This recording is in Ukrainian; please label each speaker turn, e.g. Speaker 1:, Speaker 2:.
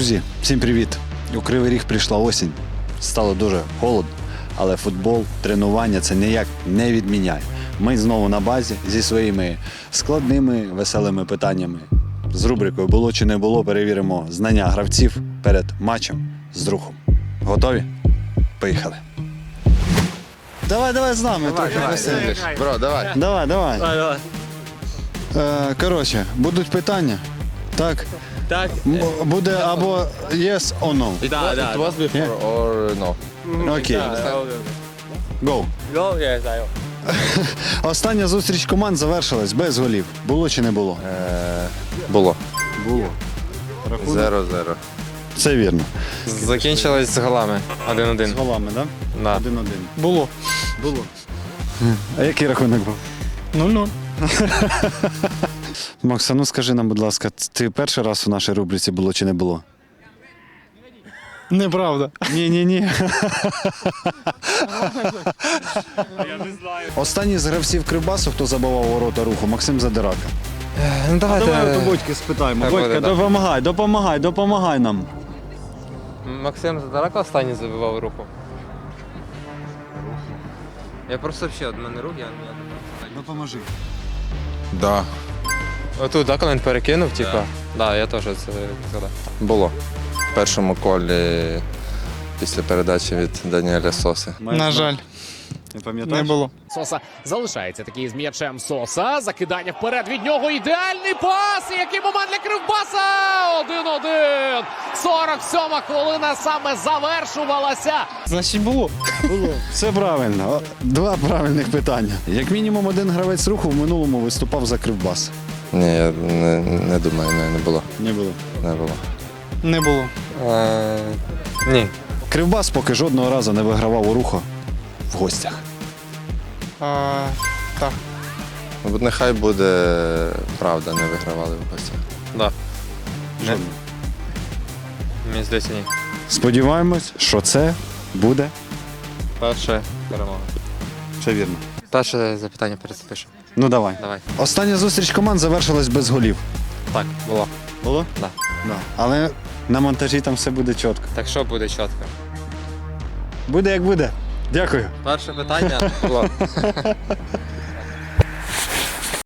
Speaker 1: Друзі, всім привіт! У Кривий Ріг прийшла осінь. Стало дуже холодно, але футбол, тренування це ніяк не відміняє. Ми знову на базі зі своїми складними, веселими питаннями. З рубрикою «Було чи не було» перевіримо знання гравців перед матчем з Рухом. Готові? Поїхали! Давай з нами трохи веселіше.
Speaker 2: Бро, давай.
Speaker 1: Давай. Коротше, будуть питання. Так?
Speaker 3: Так.
Speaker 1: Буде або yes or no.
Speaker 2: It was before or no?
Speaker 1: Окей. Go. Остання зустріч команд завершилась без голів. Було чи не було?
Speaker 2: Було.
Speaker 1: Було.
Speaker 2: 0-0.
Speaker 1: Це вірно.
Speaker 3: Закінчилось з голами. 1-1.
Speaker 1: З голами, так?
Speaker 3: Да.
Speaker 1: 1-1.
Speaker 4: Було.
Speaker 1: Було. А який рахунок був?
Speaker 4: 0-0.
Speaker 1: Макса, ну скажи нам, будь ласка, ти перший раз у нашій рубриці було чи не було?
Speaker 4: Неправда.
Speaker 1: Ні. Останній з гравців Кривбасу, хто забивав ворота Руху, Максим Задирака.
Speaker 3: Ну давайте.
Speaker 1: Бодьки спитаємо.
Speaker 3: Хай буде, да.
Speaker 1: Допомагай нам.
Speaker 3: Максим Задарако останній забивав руку. Я просто взагалі, від мене рук, я
Speaker 1: Допоможи.
Speaker 2: Да.
Speaker 3: Отут, так, коли він перекинув, типа. Да, я теж це згадав.
Speaker 2: Було. В першому колі після передачі від Даніеля Соси.
Speaker 4: На жаль,
Speaker 1: Не
Speaker 4: не
Speaker 1: пам'ятаєш?
Speaker 4: було.
Speaker 5: Соса залишається такий з м'ячем Соса. Закидання вперед від нього. Ідеальний пас. І який момент для Кривбаса. 1-1. 47-ма хвилина саме завершувалася.
Speaker 4: Значить було.
Speaker 1: Все правильно. Два правильних питання. Як мінімум один гравець Руху в минулому виступав за Кривбас.
Speaker 2: Ні, я не думаю, не було.
Speaker 1: Не було.
Speaker 2: Не було.
Speaker 4: Не було.
Speaker 3: Ні.
Speaker 1: Кривбас поки жодного разу не вигравав у Руху в гостях.
Speaker 4: Так.
Speaker 2: Ну, нехай буде правда, не вигравали в гостях.
Speaker 3: Да.
Speaker 1: Жодного.
Speaker 3: Мені здається, ні.
Speaker 1: Сподіваємось, що це буде.
Speaker 3: Перша перемога.
Speaker 1: Все вірно.
Speaker 3: Перше запитання перезапишу.
Speaker 1: Ну давай.
Speaker 3: Давай.
Speaker 1: Остання зустріч команд завершилась без голів.
Speaker 3: Так, було.
Speaker 1: Було?
Speaker 3: Да.
Speaker 1: Да. Але на монтажі там все буде чітко.
Speaker 3: Так що буде чітко?
Speaker 1: Буде як буде. Дякую.
Speaker 3: Перше питання було.